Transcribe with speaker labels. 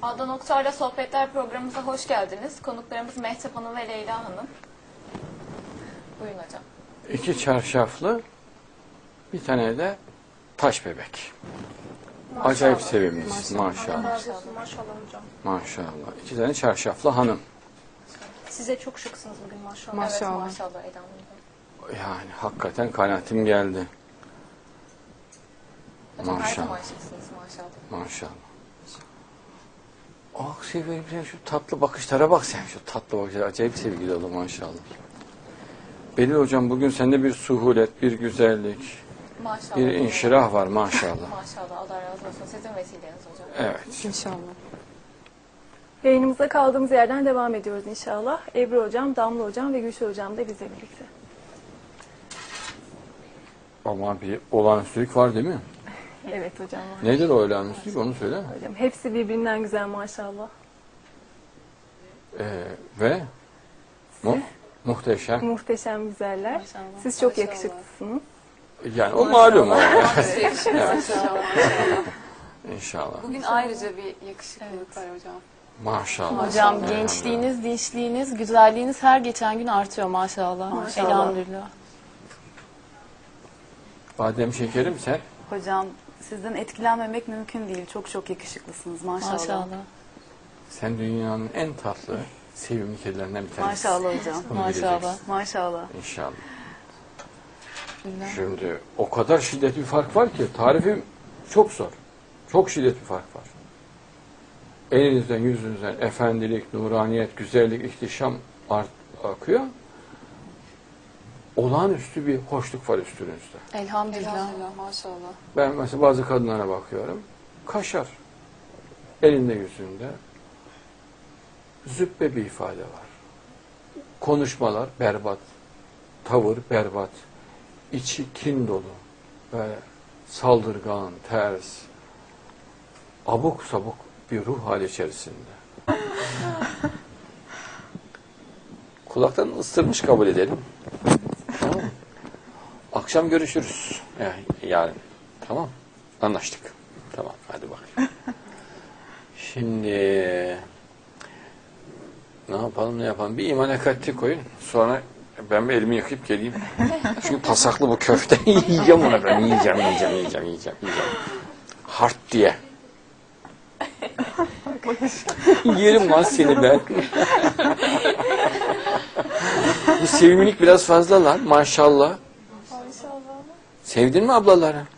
Speaker 1: Adnan Oktar'la Sohbetler programımıza hoş geldiniz. Konuklarımız Mehtap Hanım ve Leyla Hanım. Buyurun hocam.
Speaker 2: 2 çarşaflı, bir tane de taş bebek.
Speaker 1: Maşallah.
Speaker 2: Acayip sevimlisin maşallah.
Speaker 3: Maşallah hocam.
Speaker 2: Maşallah. 2 tane çarşaflı hanım.
Speaker 3: Size çok şıksınız bugün maşallah.
Speaker 1: Evet maşallah Eda Hanım.
Speaker 2: Yani hakikaten kanaatim geldi.
Speaker 1: Hocam her
Speaker 2: Maşallah.
Speaker 1: zaman şıksınız maşallah.
Speaker 2: Maşallah. Ah severim sen şu tatlı bakışlara bak sen şu tatlı bakışlara. Acayip sevgi dolu maşallah. Belli hocam bugün sende bir suhulet, bir güzellik,
Speaker 1: Maşallah.
Speaker 2: bir inşirah var maşallah.
Speaker 1: Maşallah Allah razı olsun. Sizin vesileniz hocam.
Speaker 2: Evet.
Speaker 4: İnşallah.
Speaker 3: Yayınımıza kaldığımız yerden devam ediyoruz inşallah. Ebru hocam, Damla hocam ve Gülşah hocam da bizle birlikte.
Speaker 2: Ama bir olağanüstülük var değil mi?
Speaker 3: Evet hocam var.
Speaker 2: Nedir o olağanüstülük onu söyle.
Speaker 3: Hocam hepsi birbirinden güzel maşallah.
Speaker 2: Ve muhteşem.
Speaker 3: Muhteşem güzeller.
Speaker 4: Maşallah.
Speaker 3: Siz çok
Speaker 4: Maşallah.
Speaker 3: yakışıklısınız.
Speaker 2: Yani o malum o.
Speaker 1: Evet.
Speaker 2: İnşallah.
Speaker 1: Bugün ayrıca bir yakışıklılık var hocam.
Speaker 2: Maşallah.
Speaker 4: Hocam
Speaker 2: Elhamdülillah.
Speaker 4: gençliğiniz, dinçliğiniz, güzelliğiniz her geçen gün artıyor maşallah.
Speaker 3: Maşallah.
Speaker 4: Elhamdülillah.
Speaker 2: Badem şekerim sen.
Speaker 5: Hocam sizden etkilenmemek mümkün değil. Çok yakışıklısınız maşallah.
Speaker 4: Maşallah.
Speaker 2: Sen dünyanın en tatlı, sevimli kedilerinden bir tanesi.
Speaker 5: Maşallah hocam.
Speaker 2: Bunu
Speaker 4: Maşallah.
Speaker 2: bileceksin.
Speaker 5: Maşallah.
Speaker 2: İnşallah.
Speaker 4: Bilmem.
Speaker 2: Şimdi o kadar şiddetli bir fark var ki tarifim çok zor. Çok şiddetli bir fark var. Elinizden, yüzünüzden efendilik, nuraniyet, güzellik, ihtişam akıyor. Olağanüstü bir hoşluk var üstünüzde.
Speaker 4: Elhamdülillah.
Speaker 1: Maşallah.
Speaker 2: Ben mesela bazı kadınlara bakıyorum. Kaşar. Elinde yüzünde. Züppe bir ifade var. Konuşmalar berbat. Tavır berbat. İçi kin dolu. Böyle saldırgan, ters. Abuk sabuk bir ruh hali içerisinde. Kulaktan ısırmış kabul edelim. Tamam mı? Akşam görüşürüz. Yani yarın. Tamam. Anlaştık. Tamam. Hadi bakayım. Şimdi ne yapalım? Bir iman ekatti koyun. Sonra ben bir elimi yıkayıp geleyim. Çünkü pasaklı bu köfte. Yiyeceğim onu ben. Yiyeceğim. Hart diye. Yerim lan seni ben. Bu sevimlilik biraz fazla lan maşallah.
Speaker 1: Maşallah.
Speaker 2: Sevdin mi ablaları?